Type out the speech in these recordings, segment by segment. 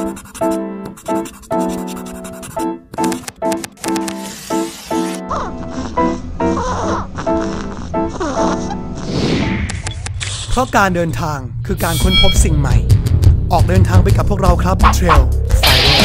เพราะการเดินทางคือการค้นพบสิ่งใหม่ออกเดินทางไปกับพวกเราครับ Trail Finder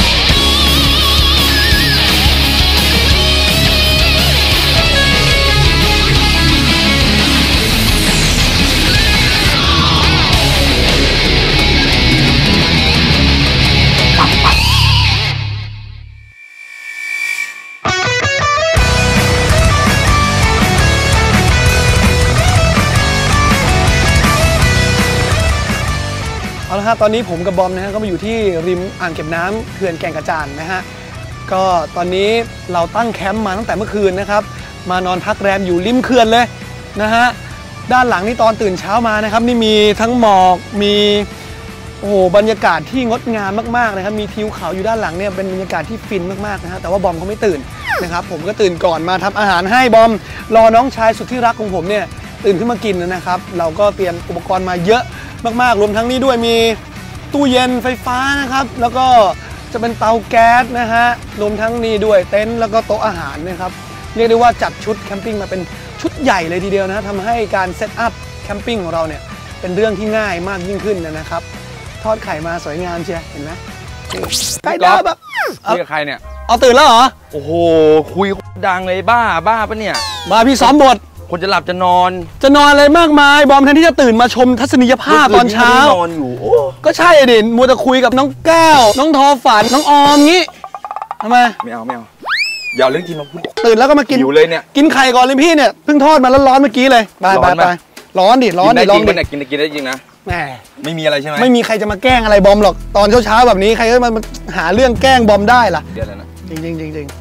เอาละครับตอนนี้ผมกับบอมนะฮะก็มาอยู่ที่ริมอ่างเก็บน้ำเขื่อนแก่งกระจานนะฮะก็ตอนนี้เราตั้งแคมป์มาตั้งแต่เมื่อคืนนะครับมานอนพักแรมอยู่ริมเขื่อนเลยนะฮะด้านหลังนี่ตอนตื่นเช้ามานะครับนี่มีทั้งหมอกมีโอ้โหบรรยากาศที่งดงามมากๆนะครับมีทิวเขาอยู่ด้านหลังเนี่ยเป็นบรรยากาศที่ฟินมากๆนะฮะแต่ว่าบอมเขาไม่ตื่นนะครับผมก็ตื่นก่อนมาทำอาหารให้บอมรอน้องชายสุดที่รักของผมเนี่ยตื่นขึ้นมากินนะครับเราก็เตรียมอุปกรณ์มาเยอะมากๆรวมทั้งนี้ด้วยมีตู้เย็นไฟฟ้านะครับแล้วก็จะเป็นเตาแก๊สนะฮะรวมทั้งนี้ด้วยเต็นท์แล้วก็โต๊ะอาหารนะครับเรียกได้ว่าจัดชุดแคมปิ้งมาเป็นชุดใหญ่เลยทีเดียวนะทำให้การเซตอัพแคมปิ้งของเราเนี่ยเป็นเรื่องที่ง่ายมากยิ่งขึ้นนะครับทอดไข่มาสวยงามเชียวเห็นไหมใกล้แล้วแบบนี่กับใครเนี่ยเอาตื่นแล้วเหรอโอ้โหคุยดังเลยบ้าปะเนี่ยมาพี่ซ้อมบทคนจะหลับจะนอนอะไรมากมายบอมแทนที่จะตื่นมาชมทัศนียภาพตอนเช้านอนอยู่ก็ใช่เด่นมัวแต่คุยกับน้องแก้วน้องทอฝันน้องออมงี้ทำไมไม่เอาอย่าเรื่องกินมาพูดตื่นแล้วก็มากินอยู่เลยเนี่ยกินไข่ก่อนเลยพี่เนี่ยเพิ่งทอดมาร้อนๆเมื่อกี้เลยไปร้อนดิลองดิกินได้จริงนะแหมไม่มีอะไรใช่ไหมไม่มีใครจะมาแกล้งอะไรบอมหรอกตอนเช้าแบบนี้ใครก็มาหาเรื่องแกล้งบอมได้ล่ะเดี๋ยวนะจริง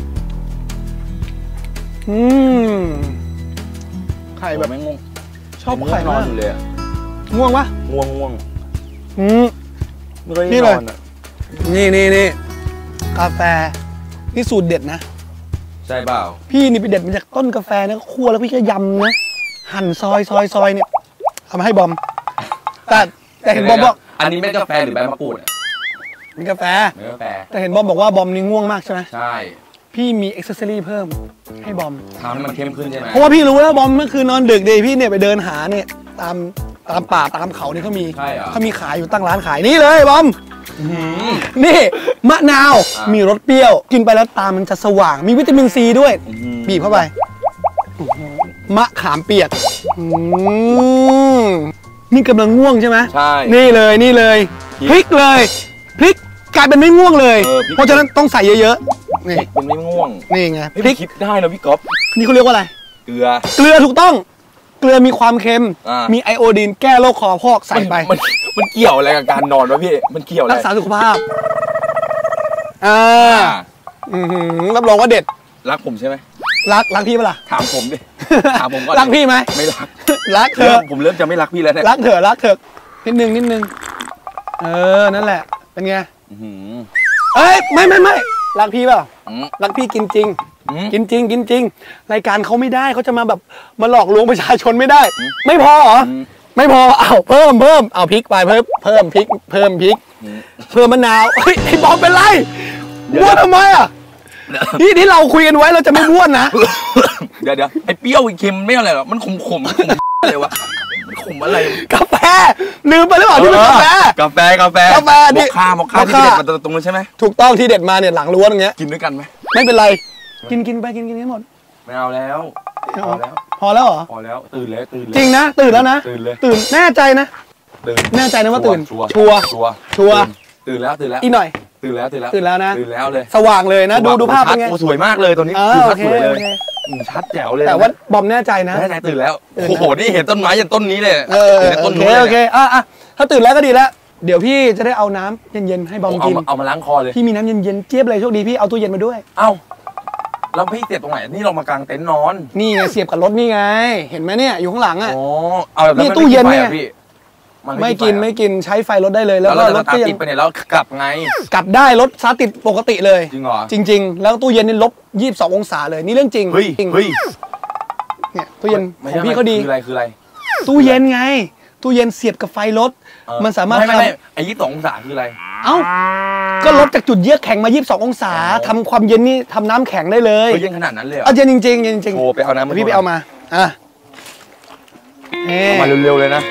ไข่แบบไม่ง่วงชอบไข่มากอยู่เลยง่วงปะง่วงนี่เลยนี่กาแฟนี่สูตรเด็ดนะใช่เปล่าพี่นี่ไปเด็ดมาจากต้นกาแฟนะคั่วแล้วพี่ก็ยำนะหั่นซอยเนี่ยทำให้บอมแต่เห็นบอมบอกอันนี้ไม่กาแฟหรือใบมะกรูดนี่กาแฟแต่เห็นบอมบอกว่าบอมนี่ง่วงมากใช่ไหมใช่พี่มีอ็อกเซสซอรี่เพิ่มให้บอมทำให้มันเข้มขึ้นใช่ไหมเพราะว่าพี่รู้แล้วบอมเมื่อคืนนอนดึกดีพี่เนี่ยไปเดินหาเนี่ยตามป่าตามเขาเนี่ยเขามีขายอยู่ตั้งร้านขายนี่เลยบอมนี่มะนาวมีรสเปรี้ยวกินไปแล้วตามันจะสว่างมีวิตามินซีด้วยบีบเข้าไปมะขามเปียกนี่กำลังง่วงใช่ไหมใช่นี่เลยพริกกลายเป็นไม่ง่วงเลยเพราะฉะนั้นต้องใส่เยอะๆนี่เป็นไม่ง่วงนี่ไงพริกคิดได้นะพี่ก๊อฟนี่เขาเรียกว่าอะไรเกลือถูกต้องเกลือมีความเค็มมีไอโอดีนแก้โรคคอพอกใส่ไปมันเกี่ยวอะไรกับการนอนวะพี่มันเกี่ยวอะไรรักษาสุขภาพรับรองว่าเด็ดรักผมใช่ไหมรักพี่ปะล่ะถามผมดิถามผมก่อนรักพี่ไหมไม่รักเธอผมเริ่มจะไม่รักพี่แล้วเนี่ยรักเถอะนิดนึงนั่นแหละเป็นไงเอ้ยไม่รักพี่เปล่ารักพี่กินจริงรายการเขาไม่ได้เขาจะมาแบบมาหลอกลวงประชาชนไม่ได้ไม่พอเหรอไม่พอเอาเพิ่มเอาพริกไปเพิ่มพริกเพิ่มมะนาวเฮ้ยไอ้บอมเป็นไรบ้วนทำไมอ่ะที่เราคุยกันไว้เราจะไม่บ้วนนะเดี๋ยวไอ้เปรี้ยวเค็มไม่อะไรหรอกมันขมอะไรวะขมอะไรกาแฟลืมไปหรือเปล่าที่เป็นกาแฟนี่มอคค่าที่เด็ดมาตรงนั้นใช่ไหมถูกต้องที่เด็ดมาเนี่ยหลังล้วนอย่างเงี้ยกินด้วยกันไหมไม่เป็นไรกินไปกินให้หมดไม่เอาแล้วพอแล้วเหรอพอแล้วตื่นจริงนะตื่นแล้วนะตื่นแน่ใจนะแน่ใจนะว่าตื่นชัวร์ตื่นแล้วอีกหน่อยตื่นแล้วนะตื่นแล้วเลยสว่างเลยนะดูภาพเป็นไงสวยมากเลยตอนนี้ชัดสวยเลยชัดแจ๋วเลยแต่ว่าบอมแน่ใจนะแน่ใจตื่นแล้วโอ้โหนี่เห็นต้นไม้ยันต้นนี้เลยโอเคถ้าตื่นแล้วก็ดีแล้วเดี๋ยวพี่จะได้เอาน้ำเย็นๆให้บอมกินเอามาล้างคอเลยพี่มีน้ำเย็นๆเจี๊ยบเลยโชคดีพี่เอาตู้เย็นมาด้วยเอ้าแล้วพี่เสียบตรงไหนนี่เรามากางเต็นท์นอนนี่ไงเสียบกับรถนี่ไงเห็นไหมเนี่ยอยู่ข้างหลังอ่ะนี่ตู้เย็นเนี่ยไม่กินใช้ไฟรถได้เลยแล้วก็รถก็ยังติดไปเนี่ยแล้วกลับไงกลับได้รถสตาร์ทติดปกติเลยจริงเหรอจริงแล้วตู้เย็นนี่ลบ22 องศาเลยนี่เรื่องจริงเนี่ยตู้เย็นของพี่เขาดีคืออะไรตู้เย็นไงตู้เย็นเสียบกับไฟรถมันสามารถไม่ไอ้22 องศาคืออะไรเอ้าก็ลดจากจุดเยือกแข็งมา22องศาทำความเย็นนี่ทำน้ำแข็งได้เลยเย็นขนาดนั้นเลยเหรอเย็นจริงๆเย็นจริงโอ้ไปเอาน้ำพี่ไปเอามาอ่ะเอามาเร็วๆเลยนะ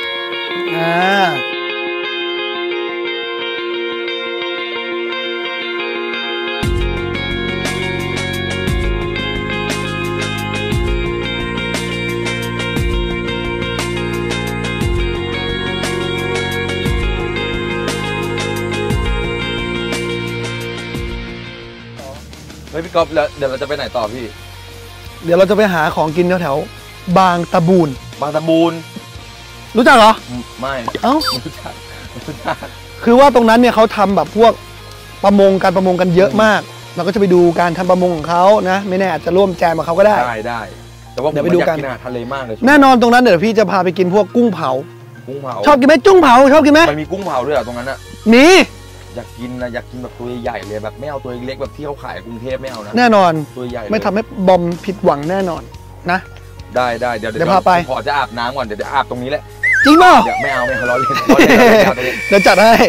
เฮ้ยพี่ก๊อฟแล้วเดี๋ยวเราจะไปไหนต่อพี่เดี๋ยวเราจะไปหาของกินแถวๆบางตะบูนบางตะบูนรู้จักเหรอไม่เอ้าไม่รู้จักไม่รู้จักคือว่าตรงนั้นเนี่ยเขาทำแบบพวกการประมงกันเยอะมาก เราก็จะไปดูการทำประมงของเขานะไม่แน่อาจจะร่วมแจมกับเขาก็ได้ได้แต่ว่าผมเดี๋ยวไปดูอยากกันกินอาหารทะเลมากเลยแน่นอนตรงนั้นเดี๋ยวพี่จะพาไปกินพวกกุ้งเผากุ้งเผาชอบกินไหมจุ้งเผาชอบกินไหมมันมีกุ้งเผาด้วยเหรอตรงนั้นอะมีอยากกินนะอยากกินแบบตัวใหญ่เลยแบบไม่เอาตัวเล็กแบบที่เขาขายกรุงเทพไม่เอานะแน่นอนตัวใหญ่เลยไม่ทำให้บอมผิดหวังแน่นอนนะได้เดี๋ยวเดี๋ยวพาไปขอจะอาบน้ำก่อนเดี๋ยวอาบตรงนี้แหละจริงเปล่าเดี๋ยวไม่เอาล้อเล่นล้อเล่นไม่เอาตัวนี้เดี๋ยวจัดให้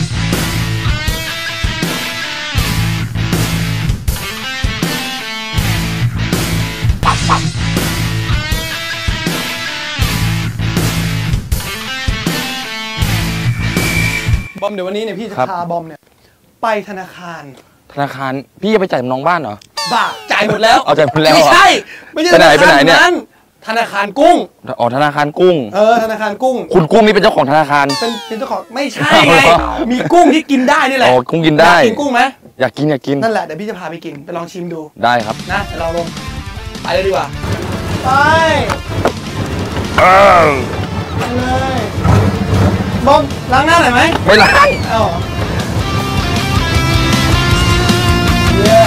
บอมเดี๋ยววันนี้เนี่ยพี่จะพาบอมเนี่ยไปธนาคารธนาคารพี่จะไปจ่ายน้องบ้านเหรอบ้าจ่ายหมดแล้วเอาจ่ายหมดแล้วไม่ใช่ไม่ใช่ไปไหนเนี่ยธนาคารกุ้งอ๋อธนาคารกุ้งธนาคารกุ้งคุณกุ้งนี่เป็นเจ้าของธนาคารเป็นเจ้าของไม่ใช่ไงมีกุ้งที่กินได้นี่แหละอ๋อกุ้งกินได้อยากกินกุ้งไหมอยากกินนั่นแหละเดี๋ยวพี่จะพาไปกินไปลองชิมดูได้ครับนะเดี๋ยวเราลงไปเลยดีกว่าไปไปเลยบอมล้างหน้าหน่อยไหมไม่ล้างเอ้าเย้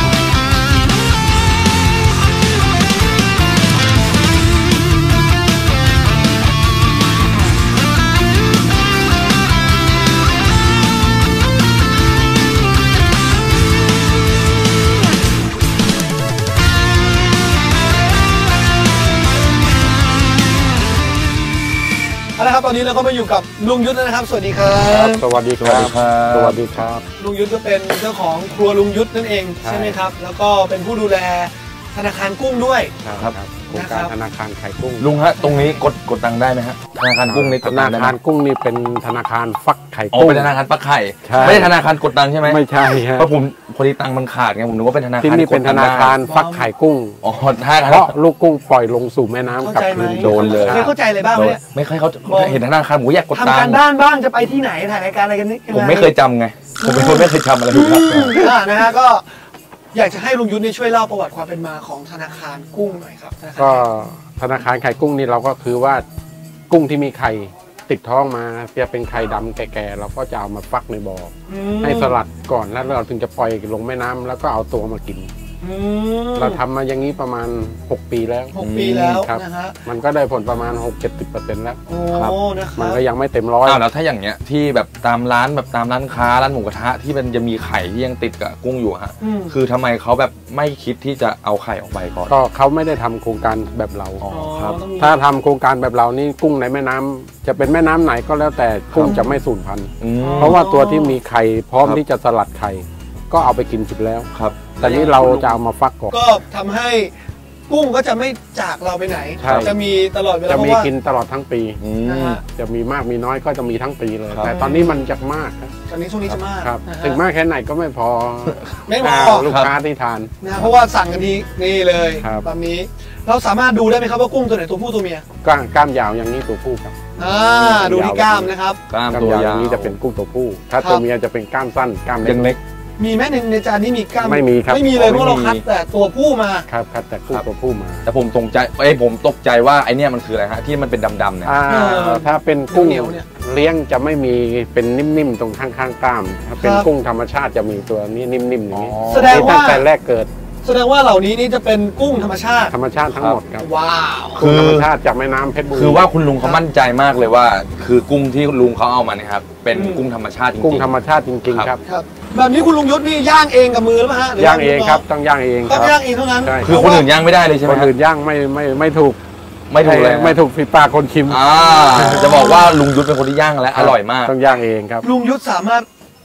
เอาละครับตอนนี้เราก็มาอยู่กับลุงยุทธแล้วนะครับสวัสดีครับสวัสดีครับ สวัสดีครับลุงยุทธก็เป็นเจ้าของครัวลุงยุทธนั่นเองใช่ไหมครับ แล้วก็เป็นผู้ดูแลธนาคารกุ้งด้วยครับโครงการธนาคารไข่กุ้งลุงฮะตรงนี้กดตังค์ได้ไหมฮะธนาคารกุ้งนี่กธดตันางค์ได้ไหมคารกุ้งนี่เป็นธนาคารฟักไข่อ๋อกุ้งเป็นธนาคารปักไข่ใช่ไม่ใช่ธนาคารกดตังค์ใช่ไหมไม่ใช่ฮะเพราะผมพอดีตังค์มันขาดไงผมนึกว่าเป็นธนาคารที่นี่เป็นธนาคารฟักไข่กุ้งอ๋อธนาคารเพราะลูกกุ้งปล่อยลงสู่แม่น้ำเข้ากลับใจไหมคืนโดนเลยเคยเข้าใจอะไรบ้างไหมเนี่ยไม่ค่อยเขาเห็นธนาคารผมอยากกดตัทำกาง รค์บ้านบ้างจะไปที่ไหนถ่ายรายการอะไรกันนี่ผมไม่เคยจำไงผมเป็นคนไม่เคยจำอะไรเลยครับนะฮะก็อยากจะให้ลุงยุทธเนี่ยช่วยเล่าประวัติความเป็นมาของธนาคารกุ้งหน่อยครับธนาคารก็ธนาคารไข่กุ้งนี่เราก็คือว่ากุ้งที่มีไข่ติดท้องมาจะเป็นไข่ดำแก่ๆเราก็จะเอามาฟักในบ่ออือมให้สลัดก่อนแล้วเราถึงจะปล่อยลงแม่น้ำแล้วก็เอาตัวมากินอืมเราทำมาอย่างนี้ประมาณ 6 ปีแล้ว 6 ปีแล้วครับนะฮะมันก็ได้ผลประมาณ 6-70% แล้วโอ้ครับนะคมัรันบก็ยังไม่เต็มร้อยอ้าวแล้วถ้าอย่างเงี้ยที่แบบตามร้านแบบตามร้านค้าร้านหมูกระทะที่มันจะมีไข่ที่ยังติดกับกุ้งอยู่ฮะอืมคือทำไมเขาแบบไม่คิดที่จะเอาไข่ออกไปก่อนก็เขาไม่ได้ทำโครงการแบบเราอ๋อครับต้องมีถ้าทำโครงการแบบเรานี่กุ้งในแม่น้ำจะเป็นแม่น้ำไหนก็แล้วแต่กุ้งจะไม่สูญพันธุ์อืมเพราะว่าตัวที่มีไข่พร้อมครับที่จะสลัดไข่ก็เอาไปกินสุดแล้วครับแต่นี้เราจะเอามาฟักก่อนก็ทำให้กุ้งก็จะไม่จากเราไปไหนใช่จะมีตลอดเวลาจะเพมีราะว่ากินตลอดทั้งปีอืนะมฮะจะมีมากมีน้อยก็จะมีทั้งปีเลยครับแต่ตอนนี้มันจะมากครับตอนนี้ช่วงนี้จะมากครับนะฮะถึงมากแค่ไหนก็ไม่พอไม่พอลูกค้าที่ทานนะเพราะว่าสั่งกันทีนี่เลยครับตอนนี้เราสามารถดูได้ไหมครับว่ากุ้งตัวไหนตัวผู้ตัวเมียกล้ามยาวอย่างนี้ตัวผู้ครับดูที่กล้ามนะครับกล้ามกล้ามตัวยาวยาอย่าว งนี้จะเป็นกุ้งตัวผู้ ถ้าตัวครับเมียจะเป็นกล้ามสั้นกล้ามยังเล็กเล็กมีไหมในจานนี้มีกล้ามไม่มีครับไม่มีเลยเพราะเราคัดแต่ตัวผู้มาครับแต่กุ้งตัวผู้มาแต่ผมตกใจผมตกใจว่าไอเนี่ยมันคืออะไรฮะที่มันเป็นดำๆเนี่ยถ้าเป็นกุ้งเหนียวๆเนี่ยเลี้ยงจะไม่มีเป็นนิ่มๆตรงข้างๆกล้าม ถ้าเป็นครับกุ้งธรรมชาติจะมีตัวนี้นิ่มๆอย่างนี้แสดงว่าตั้งแต่แรกเกิดแสดงว่าเหล่านี้นี่จะเป็นกุ้งธรรมชาติธรรมชาติทั้งหมดครับว้าวคือกุ้งธรรมชาติจากแม่น้ำเพชรบุรีคือว่าคุณลุงเขามั่นใจมากเลยว่า คือกุ้งที่ลุงเขาเอามาเนี่ยครับเป็นกุ้งธรรมชาติจริงๆกุ้งธรรมชาติจริงๆครับครับแบบนี้คุณลุงยศนี่ย่างเองกับมือหรือเปล่าฮะหรืย่างเองครับต้องย่างเองคต้อรังบย่างเองเท่านั้นใช่คือคนอื่นย่างไม่ได้เลยใช่ไหมคนฮะอื่นย่างไม่ถูกไม่ถูกเลยไม่ถูกฝีปากคนชิมจะบอกว่าลุงยุทธเป็นคนที่ย่างและอร่อยมากต้องย่างเองครับลุงยุทธสามารถ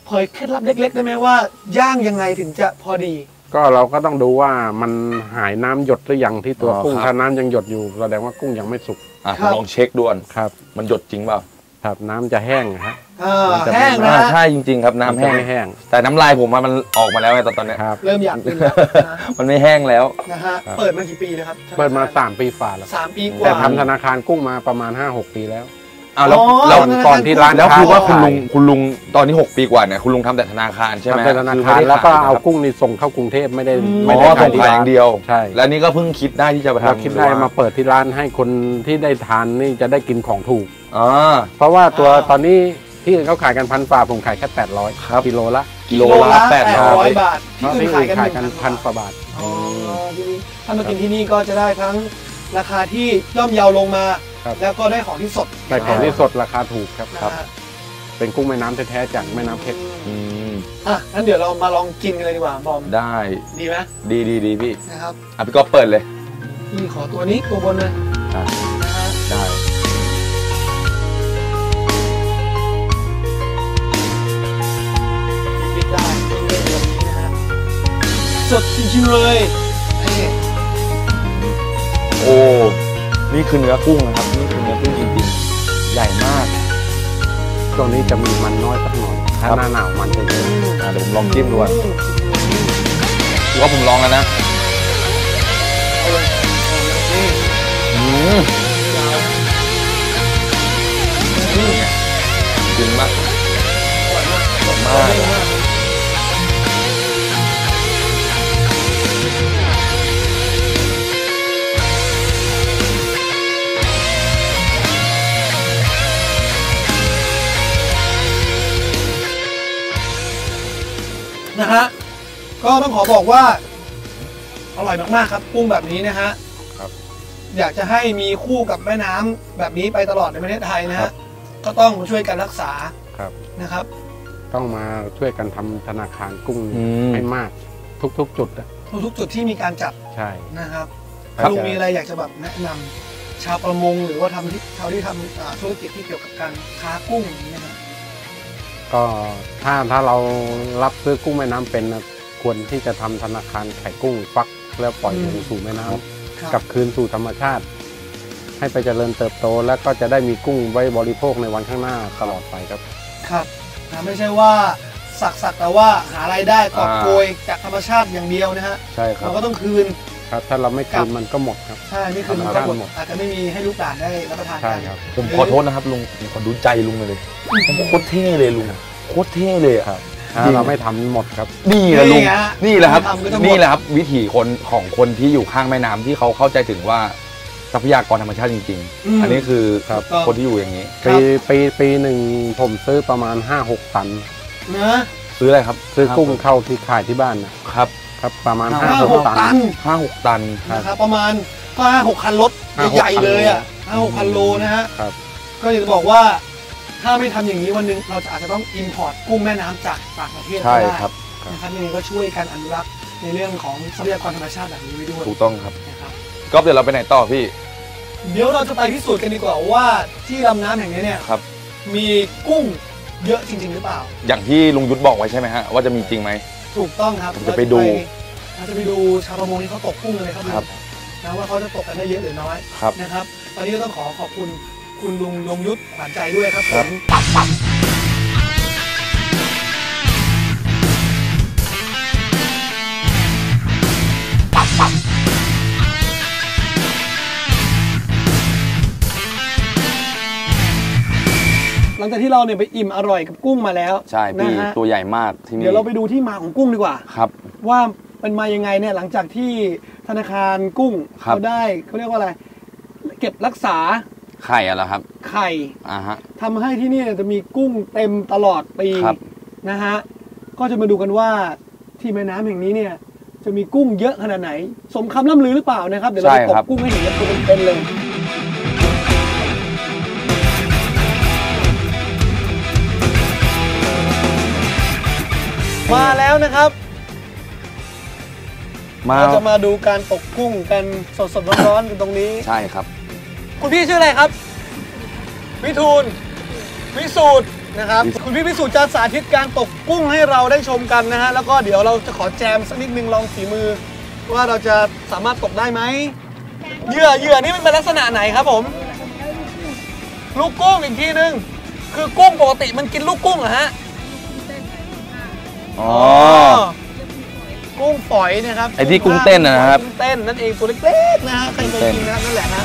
เผยเคล็ดลับเล็กๆได้ไหมว่าย่างยังไงถึงจะพอดีก็เราก็ต้องดูว่ามันหายน้ำหยดหรือยังที่ตัวอ๋อกุ้งครับถ้าน้ำยังหยดอยู่แสดงว่ากุ้งยังไม่สุกครับลองเช็คด่วนครับมันหยดจริงเปล่าครับน้ำจะแห้งฮะ มันจะแห้งนะใช่จริงๆครับน้ำแห้งมัจะไม่แห้งแต่น้ำลายผมมันออกมาแล้วไงตอนเนี้ยครับเริ่มอยากกินแล้วนะมันไม่แห้งแล้วนะฮะครับเปิดมากี่ปีแล้วครับเปิดมา3 ปีฝ่าแล้ว 3 ปีกแต่ว่าทำธนาคารกุ้งมาประมาณ 5-6 ปีแล้วอ้าวแล้วอ๋อแล้วธนาคารก่อนที่ร้านแล้วคือว่าคุณลุงขายคุณลุงตอนนี้6 ปีกว่าเนี่ยคุณลุงทำแต่ธนาคารใช่ไหมทำแต่ธนาคือคารไม่ได้แล้วก็ขยเอานะครับกุ้งนี่ส่งเข้ากรุงเทพไม่ได้อืมไม่อ๋ได้อขาส่ยงที่ขายอร้านย่างเดียวใช่แล้วนี่ก็เพิ่งคิดได้ที่จะมาเราทำคิดได้มาเปิดที่ร้านให้คนที่ได้ทานนี่จะได้กินของถูกอ๋อเพราะว่าตัวตอนนี้ที่อื่นเขาขายกัน1,000 ฝ่าผมขายแค่ครับ 800กิโลละกิโลละ800 บาทเพที่ราะอื่ที่นอื่ขายนกันขายกัน 1,000 1,000 กว่าบาทอ๋อทีนี้ถ้ามากินที่นี่ก็จะได้ทั้งราคาที่ย่อมเยาลงมาครับแล้วก็ได้ของที่สดแต่ของที่สดราคาถูกครับนะฮะเป็นกุ้งแม่น้ำแท้ๆจากแม่น้ำเพชรอืมอ่ะงั้นเดี๋ยวเรามาลองกินกันเลยดีกว่าบอมได้ดีไหมดีพี่นะครับอ่ะพี่ก็เปิดเลยพี่ขอตัวนี้ตัวบนเลยอ่ะนะฮะได้ปิดได้เล่นแบบนี้นะฮะสดจริงๆเลยนี่โอ้นี่คือเนื้อกุ้งนะครับนี่คือเนื้อกุ้งจริงๆใหญ่มากช่วงนี้จะมีมันน้อยสักหน่อยครัถ้าบหน้าหนาวมันจะเยอะเดี๋ยวผมลองจิ้มดูอ่ะพี่ก็ผมลองแล้วนะเอาเลยเอาเลยนี่อืมยาวจริงมากอร่อยมากอร่อยมากเล่นมากนะฮะก็ต้องขอบอกว่าอร่อยมากๆครับกุ้งแบบนี้นะฮะครับอยากจะให้มีคู่กับแม่น้ำแบบนี้ไปตลอดในประเทศไทยนะฮะก็ต้องช่วยกันรักษาครับนะครับต้องมาช่วยกันทำธนาคารกุ้งอืมให้มากทุกๆ จุดอะทุกๆจุดที่มีการจัดใช่นะครับครับลุงมีอะไรอยากจะแบบแนะนำชาวประมงหรือว่าชาวที่ทำธุรกิจที่เกี่ยวกับการค้ากุ้งอย่างนี้นะครับก็ถ้าเรารับซื้อกุ้งแม่น้ำเป็นนะควรที่จะทำธนาคารไข่กุ้งฟักแล้วปล่อยลงสู่แม่น้ำครับกลับคืนสู่ธรรมชาติ ให้ไปเจริญเติบโต แล้วก็จะได้มีกุ้งไว้บริโภคในวันข้างหน้าตลอดไปครับครับนะไม่ใช่ว่าสักแต่ว่าหารายได้กอบโกยจากธรรมชาติอย่างเดียวนะฮะใช่ครัเราบก็ต้องคืนครับ ถ้าเราไม่ครัคืบนมันก็หมดครับใช่ไม่คืนมันครัก็บหมดอาจจะไม่มีให้ลูกหลานได้รับประทานใช่กันครับผมขอโทษนะครับลุงผมขอดูใจลุงเลยโคตรเท่เลยลุงโคตรเท่เลยอะครับ ถ้าเราไม่ทำหมดครับนี่แหละลุงฮนี่แหละครับทำก็จะหมดนี่แหละครับ วิถีคนของคนที่อยู่ข้างแม่น้ำที่เขาเข้าใจถึงว่าทรัพยากรธรรมชาติจริง ๆ อันนี้คือครับคนที่อยู่อย่างนี้ปีหนึ่งผมซื้อประมาณ 5-6 ตันนะซื้ออะไรครับซื้อกุ้งเข้าที่ขายที่บ้านนะครับ ครับประมาณห้าหก 5-6 ตันตัน 5-6 ตันนะครับประมาณก็5-6 คันรถ 5-6 ใหญ่ๆเลยอ่ะ5-6 คันโลนะฮะครับก็อยากจะบอกว่าถ้าไม่ทำอย่างนี้วันหนึงเราจะอาจจะต้องอินพอร์ตกุ้งแม่น้ำจากต่างประเทศใช่ก็ได้ครับนะครับยังไงก็ช่วยกันอนุรักษ์ในเรื่องของทรัพยากรธรรมชาติแบบนี้ไว้ด้วยถูกต้องครับนะครับก็เดี๋ยวเราไปไหนต่อพี่เดี๋ยวเราจะไปพิสูจน์กันดีกว่าว่าที่ลำน้ำแห่งนี้เนี่ยครับมีกุ้งเยอะจริง ๆ หรือเปล่าอย่างที่ลุงยุทธบอกไว้ใช่ไหมฮะว่าจะมีจริงไหมถูกต้องครับผมจะไปดูเราจะไปดูชาวประมงที่เขาตกกุ้งเลยครับครับนะว่าเขาจะตกกันได้เยอะหรือน้อยครับนะครับ ตอนนี้ก็ต้องขอบคุณคุณลุงยงยุทธขวัญใจด้วยครับผครับม หลังจากที่เราเนี่ยไปอิ่มอร่อยกับกุ้งมาแล้วใช่พี่นะฮะตัวใหญ่มากที่นี่เดี๋ยวเราไปดูที่มาของกุ้งดีกว่าครับว่ามันมายังไงเนี่ยหลังจากที่ธนาคารกุ้งครับเขาได้เขาเรียกว่าอะไร เก็บรักษาไข่อะไรครับไข่ฮะทำให้ที่นี่จะมีกุ้งเต็มตลอดปีครับนะฮะก็จะมาดูกันว่าที่แม่น้ำแห่งนี้เนี่ยจะมีกุ้งเยอะขนาดไหน สมคำล่ำลือหรือเปล่านะครับเดี๋ยวเราไปตกกุ้งให้เห็นกันตัวเป็นๆเลย มาแล้วนะครับมาเราจะมาดูการตกกุ้งกันสดๆร้อนๆกันตรงนี้ใช่ครับคุณพี่ชื่ออะไรครับ วิทูลวิสูตรนะครับคุณพี่พิสุทธิ์จะสาธิตการตกกุ้งให้เราได้ชมกันนะฮะแล้วก็เดี๋ยวเราจะขอแจมสักนิดนึงลองฝีมือ ว่าเราจะสามารถตกได้ไหมเหยื่อนี่มันเป็นลักษณะไหนครับผมลูกกุ้งอีกทีนึงคือกุ้งปกติมันกินลูกกุ้งเหรอฮะอ๋อกุ้งฝอยนะครับไอ้ที่กุ้งเต้นนะครับกุ้งเต้นนั่นเองตัวเล็กๆนะฮะใครเคยกินนะครับนั่นแหละฮะ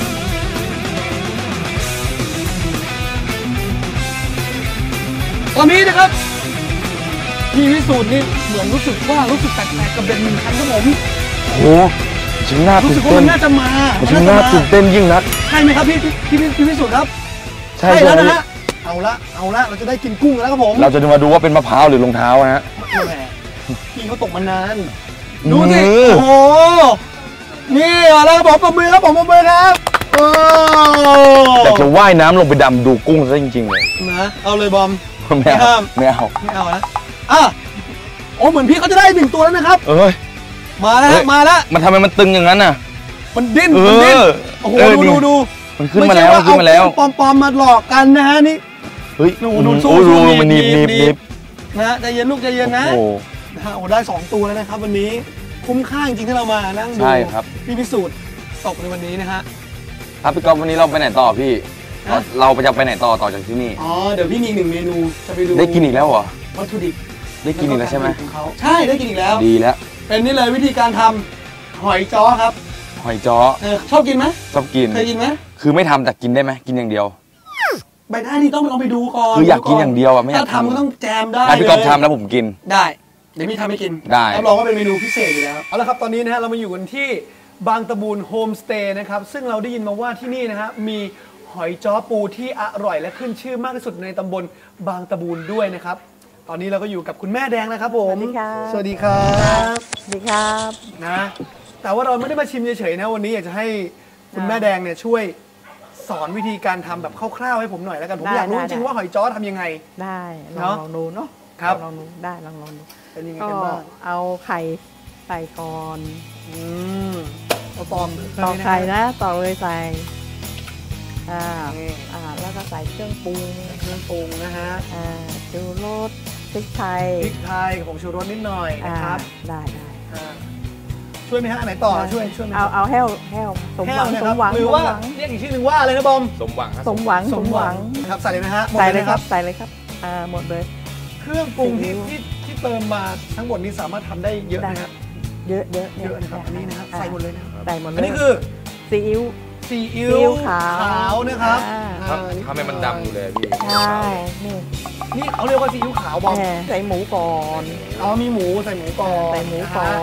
ตอนนี้นะครับพี่วิสูตรนี่เหมือนรู้สึกแปลกๆกับเด็กหนึ่งคันครับผมโอ้โหฉันน่ารู้ตื่สึนกว่าเต้มัน นน่าจะมาฉันน่าตื่นเต้นยิ่งนักใช่ไหมครับพี่วิสูตรครับใช่แล้วนะฮะเอาละเราจะได้กินกุ้งแล้วครับผมเราจะมาดูว่าเป็นมะพร้าวหรือรองเท้าฮะแหมพี่เขาตกมานานดูสิโอ้โหนี่แล้วครับผมปรบมือครับโอ้แต่จะว่ายน้ำลงไปดำดูกุ้งซะจริงๆเลยนะเอาเลยบอมไม่เอาไม่เอาไม่เอานะโอ้เหมือนพี่เขาจะได้1ตัวแล้วนะครับเอ้ยมาแล้วมาแล้วมันทำไมมันตึงอย่างนั้นน่ะมันดิ้นโอ้โหดูมันขึ้นมาแล้วมันขึ้นมาแล้วปอมมาหลอกกันนะฮะนี่เฮ้ยดูสู้มันหนีบนะใจเย็นลูกใจเย็นนะโอ้นะฮะโอ้ได้2ตัวแล้วนะครับวันนี้คุ้มค่าจริงๆที่เรามานั่งดูใช่ครับพี่พิสูจน์ตกในวันนี้นะฮะครับพี่ก๊อฟวันนี้เราไปไหนต่อพี่ฮะเราจะไปไหนต่อจากที่นี่อ๋อเดี๋ยวพี่มีอีก1 เมนูจะไปดูได้กินอีกแล้วเหรอวัตถุดิบได้กินอีกแล้วใช่ไหมของเขาใช่ได้กินอีกแล้วดีแล้วเป็นนี่เลยวิธีการทำหอยจ้อครับหอยจ้อชอบกินไหมชอบกินเคยกินไหมคือไม่ทำแต่กินได้ไหมกินอย่างเดียวไปได้นี่ต้องลองไปดูก่อนคืออยากกินอย่างเดียวอะไม่อยากถ้าทำก็ต้องแจมได้ถ้าพี่ก๊อฟเลยทำแล้วผมกินได้เดี๋ยวพี่ทำให้กินได้รับรองว่าเป็นเมนูพิเศษอยู่แล้วเอาละครับตอนนี้นะฮะเรามาอยู่กันที่บางตะบูนโฮมสเตย์นะครับซึ่งเราได้ยินมาว่าที่นี่นะฮะมีหอยจ้อปูที่อร่อยและขึ้นชื่อมากที่สุดในตำบลบางตะบูนด้วยนะครับตอนนี้เราก็อยู่กับคุณแม่แดงนะครับผมสวัสดีค่ะสวัสดีครับสวัสดีครับนะแต่ว่าเราไม่ได้มาชิมเฉยๆนะวันนี้อยากจะให้คุณแม่แดงเนี่ยช่วยสอนวิธีการทำแบบคร่าวๆให้ผมหน่อยแล้วกันผมอยากรู้จริงๆว่าหอยจ้อทำยังไงได้เนอะลองดูเนาะครับลองดูได้ลองดูเป็นยังไงก็กันบ้างเอาไข่ใส่ก่อนเอาตอมตอกไข่นะตอกเลยใส่อ่านี่แล้วก็ใส่เครื่องปรุงเครื่องปรุงนะฮะชูรสพริกไทยพริกไทยกับผงชูรสนิดหน่อยนะครับได้อ่าช่วยไหมฮะอันไหนต่อช่วยไหมเอาแห้วสมหวังแห้สนะมหวังหรือว่าเรียกอีกชื่อหนึ่งว่าอะไรนะบอมสมหวังครับสมหวังสมหวังครับใส่เลยนะฮะหมดใส่เลเลยยคครัรับบ ใส่เลยครับหมดเลยเครื่องปรุงซีอิ๊วที่เติมมาทั้งหมดนี้สามารถทำได้เยอะนะฮะเยอะเยอะนะครับอันนี้นะครับใส่หมดเลยนะครับใส่หมดเลยอันนี้คือซีอิ๊วซีอิ๊ซีอิ๊ววขาวนะครับทำให้มันดำอยู่เลยพี่ใช่นี่นี่เขาเรียกว่าซีอิ๊วขาวบอมใส่หมูก่อนอ๋อมีหมูใส่หมูก่อนใส่หมูก่อน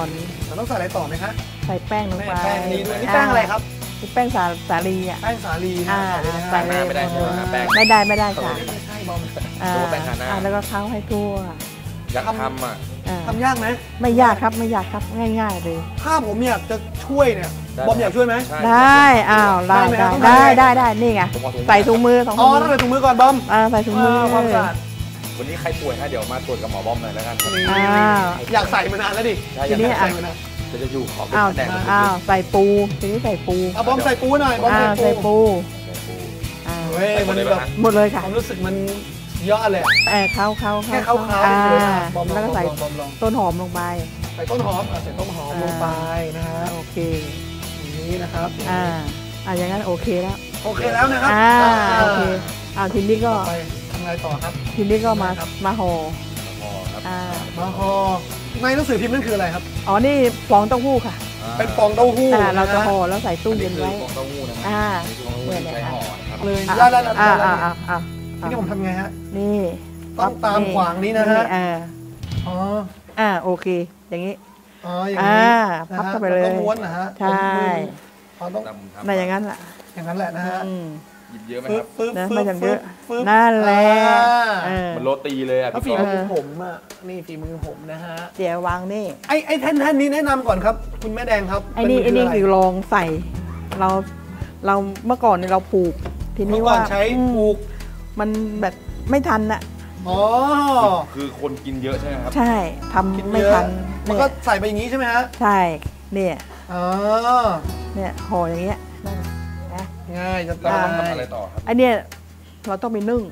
เราต้องใส่อะไรต่อไหมฮะใส่แป้งลงไปแป้งอันนี้ด้วยนี่แป้งอะไรครับนี่แป้งสาลีอ่ะแป้งสาลีนะใส่ใส่เลเลย ยนะไม่ได้ใช่ไหมฮะแป้งไม่ได้ค่ะไม่ใช่บอมนึกว่าแป้งทาหน้าแล้วก็เคล้าให้ทั่วอยากทำอ่ะทำยากไหมไม่ยากครับง่ายๆเลยถ้าผมอยากจะช่วยเนี่ยบอมอยากช่วยไหมได้ได้ได้ไหมครับได้นี่ไงใส่ถุงมืออ๋อต้องใส่ถุงมือก่อนบอมใส่ถุงมือความสะอาดวันนี้ใครป่วยฮะเดี๋ยวมาตรวจกับหมอบอมหน่อยแล้วกันอยากใส่มานานแล้วดิทีนี้ใส่มานานจะอยู่ขอเป็นอ้าวแดงใส่ปูทีนี้ใส่ปูเอาบอมใส่ปูหน่อยบอมใส่ปูเฮ้ยมันแบบหมดเลยค่ะความรู้สึกมันยอดเลยเข้าแค่เข้าๆเลยบอมแล้วก็ใส่บอมลองต้นหอมลงไปใส่ต้นหอมใส่ต้นหอมลงไปนะฮะโอเคอย่างนี้นะครับอย่างนั้นโอเคแล้วโอเคแล้วนะครับโอเคทีนี้ก็ไปทำไงต่อครับทีนี้ก็มาห่อมาห่อในหนังสือพิมพ์นั่นคืออะไรครับนี่ฟองเต้าหู้ค่ะเป็นฟองเต้าหู้เราจะห่อแล้วใส่ตู้เย็นไว้ของเต้าหู้นะเนี่ยใช้ห่อครับเลยอ่าแล้วอ่านี่ผมทำไงฮะนี่ต้องตามขวางนี้นะฮะอ๋อโอเค อย่างนี้อ๋ออย่างนี้พับเข้าไปเลยต้องม้วนนะฮะใช่ต้องในอย่างนั้นแหละอย่างนั้นแหละนะฮะหยิบเยอะไหมฟึ๊ครับบไม่จำเยอะนั่นแหละมันโรตีเลยอ่ะถ้าฝีพี่มือผมอ่ะนี่ฝีมือผมนะฮะเดี๋ยววางนี่ไอ้แท่นนี้แนะนำก่อนครับ คุณแม่แดงครับไอ้นี่คือลองใส่ เราเมื่อก่อนเนี่ยเราผูก ทีเมื่นี้อก่อว่านใช้ปลูกมันแบบไม่ทันน่ะอ๋อคือคนกินเยอะใช่ไหมครับใช่ทำไม่ทันมันก็ใส่ไปอย่างนี้ใช่ไหมฮะใช่เนี่ยอ๋อเนี่ยห่ออย่างเงี้ยนะง่ายจะแล้วตาเราต้องทำยอะไรต่อครับไอเนี่ยเราต้องไปนึ่ง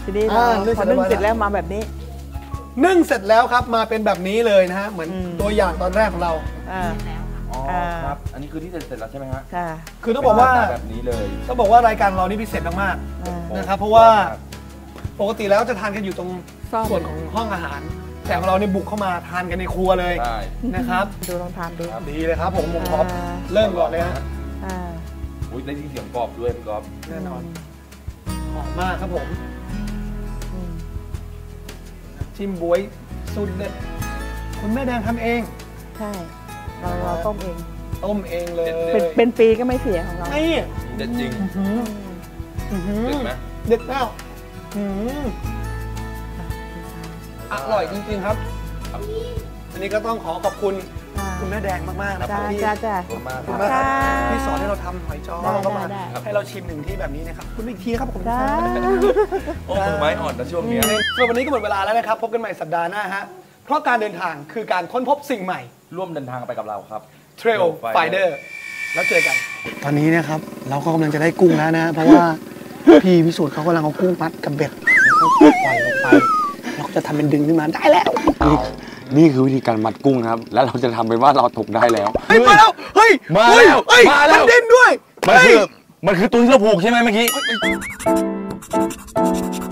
ทีนี้นึ่งพอนึ่งเสร็จแล้วมาแบบนี้นึ่งเสร็จแล้วครับมาเป็นแบบนี้เลยนะฮะเหมือนตัวอย่างตอนแรกของเราอ่าอ๋อครับ อันนี้คือที่เสร็จแล้วใช่ไหมฮะค่ะคือต้องบอกว่าเป็นหน้ตแบบนี้เลยต้องบอกว่ารายการเรานี่พิเศษมากอ่าๆนะครับเพราะว่าปกติแล้วจะทานกันอยู่ตรงซ่อมส่วนของห้องอาหาร แต่ของเราเนี่ยบุกเข้ามาทานกันในครัวเลยใช่นะครับดูลองทานดูดีเลยครับผมขอเริ่มก่อนเลยฮะอ่าอุ้ยได้ยินเสียงกรอบด้วยพี่ก๊อฟแน่นอนหอมมากครับผมอืมจิ้มบ๊วยสูตรเด็ดคุณแม่แดงทำเองใช่เราต้มเองต้มเองเลยเป็นปีก็ไม่เสียของเรานี่เด็ดจริงอื้อหือเด็ดไหมเด็ดมากอื้อหืออร่อยจริงๆครับ อันนี้ก็ต้องขอขอบคุณอ่าคุณแม่แดงมากๆนะจ้าที่จ้าจ้าขอบคุณมากขอบคุณมากครับค่ะที่สอนให้เราทำหอยจ้อได้เข้ามาได้ให้เราชิมหนึ่งที่แบบนี้นะครับคุณอีกทีนะครับผมจ้าโอ้มือไม้อ่อนนะช่วงเนี้ยส่วนวันนี้ก็หมดเวลาแล้วนะครับ พบกันใหม่สัปดาห์หน้าฮะเพราะการเดินทางคือการค้นพบสิ่งใหม่ร่วมเดินทางไปกับเราครับ Trail Finder แล้วเจอกัน ตอนนี้นะครับเราก็กำลังจะได้กุ้งแล้วนะ เพราะว่า พี่พิสูจน์เขากำลังเอากุ้งมัดกับเบ็ดแล้วก็ปล่อยลงไปเราก็จะทำเป็นดึงขึ้นมาได้แล้วนี่คือวิธีการมัดกุ้งนะครับ แล้วเราจะทำเป็นว่าเราตกได้แล้วเฮ้ยมาแล้วเฮ้ยมาเฮ้ยแล้วเฮ้ยมาแล้วนเด่นด้วยมันเฮ้ยคือตัวที่เราผูกใช่ไหมเมื่อกี้